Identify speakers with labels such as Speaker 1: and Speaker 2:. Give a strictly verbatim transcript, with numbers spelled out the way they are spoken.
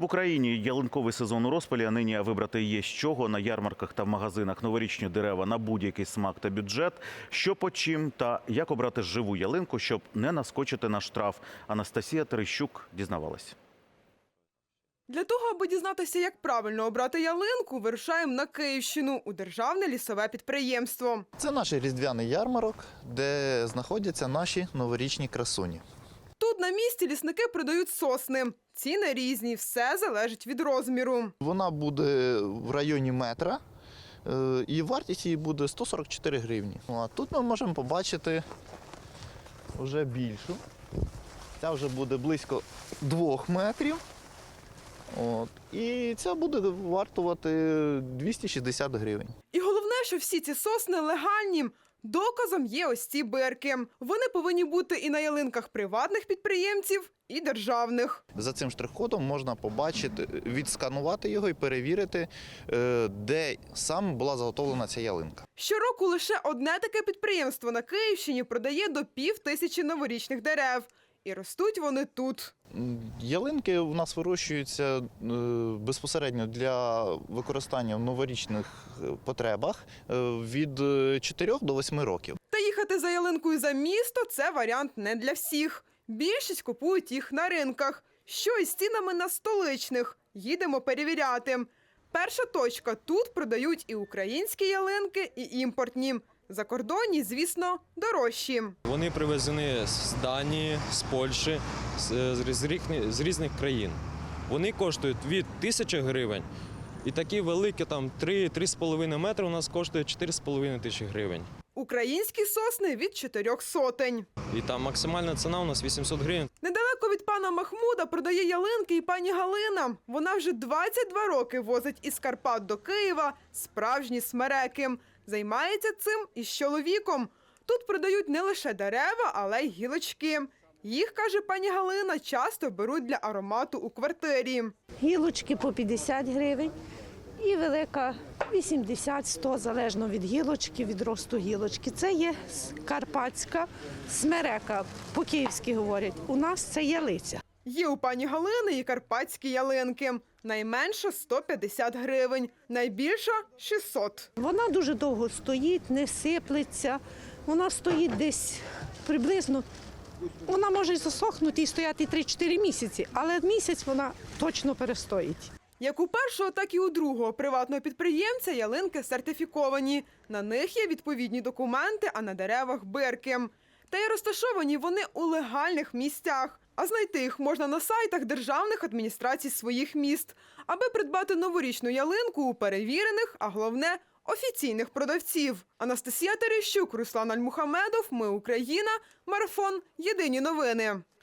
Speaker 1: В Україні ялинковий сезон у розпалі, а нині вибрати є з чого на ярмарках та в магазинах. Новорічні дерева на будь-який смак та бюджет. Що по чим та як обрати живу ялинку, щоб не наскочити на штраф. Анастасія Терещук дізнавалась.
Speaker 2: Для того, аби дізнатися, як правильно обрати ялинку, вирушаємо на Київщину у державне лісове підприємство.
Speaker 3: Це наш різдвяний ярмарок, де знаходяться наші новорічні красуні.
Speaker 2: Тут на місці лісники продають сосни. Ціни різні, все залежить від розміру.
Speaker 3: Вона буде в районі метра, е, і вартість її буде сто сорок чотири гривні. Ну, а тут ми можемо побачити вже більшу. Ця вже буде близько двох метрів. От. І ця буде вартувати двісті шістдесят гривень.
Speaker 2: І головне, що всі ці сосни легальні. Доказом є ось ці бирки. Вони повинні бути і на ялинках приватних підприємців, і державних.
Speaker 3: За цим штрих-кодом можна побачити, відсканувати його і перевірити, де саме була заготовлена ця ялинка.
Speaker 2: Щороку лише одне таке підприємство на Київщині продає до пів тисячі новорічних дерев. І ростуть вони тут.
Speaker 3: Ялинки у нас вирощуються безпосередньо для використання в новорічних потребах від чотирьох до восьми років.
Speaker 2: Та їхати за ялинкою за місто – це варіант не для всіх. Більшість купують їх на ринках. Що із цінами на столичних? Їдемо перевіряти. Перша точка – тут продають і українські ялинки, і імпортні. Закордонні, звісно, дорожчі.
Speaker 4: Вони привезені з Данії, з Польщі, з, з, різних, з різних країн. Вони коштують від тисячі гривень. І такі великі, там три-три з половиною метри у нас коштує чотири з половиною тисячі гривень.
Speaker 2: Українські сосни від чотирьох сотень.
Speaker 4: І там максимальна ціна у нас вісімсот гривень.
Speaker 2: Недалеко від пана Махмуда продає ялинки і пані Галина. Вона вже двадцять два роки возить із Карпат до Києва справжні смереки. Займається цим із чоловіком. Тут продають не лише дерева, але й гілочки. Їх, каже пані Галина, часто беруть для аромату у квартирі.
Speaker 5: Гілочки по п'ятдесят гривень і велика вісімдесят - сто, залежно від гілочки, від росту гілочки. Це є карпатська смерека, по-київськи говорять. У нас це ялиця.
Speaker 2: Є у пані Галини і карпатські ялинки. Найменша – сто п'ятдесят гривень, найбільша – шістсот.
Speaker 5: Вона дуже довго стоїть, не сиплеться. Вона стоїть десь приблизно, вона може засохнути і стояти три-чотири місяці, але місяць вона точно перестоїть.
Speaker 2: Як у першого, так і у другого приватного підприємця ялинки сертифіковані. На них є відповідні документи, а на деревах – бирки. Та й розташовані вони у легальних місцях. А знайти їх можна на сайтах державних адміністрацій своїх міст, аби придбати новорічну ялинку у перевірених, а головне – офіційних продавців. Анастасія Терещук, Руслан Альмухамедов. Ми Україна. Марафон. Єдині новини.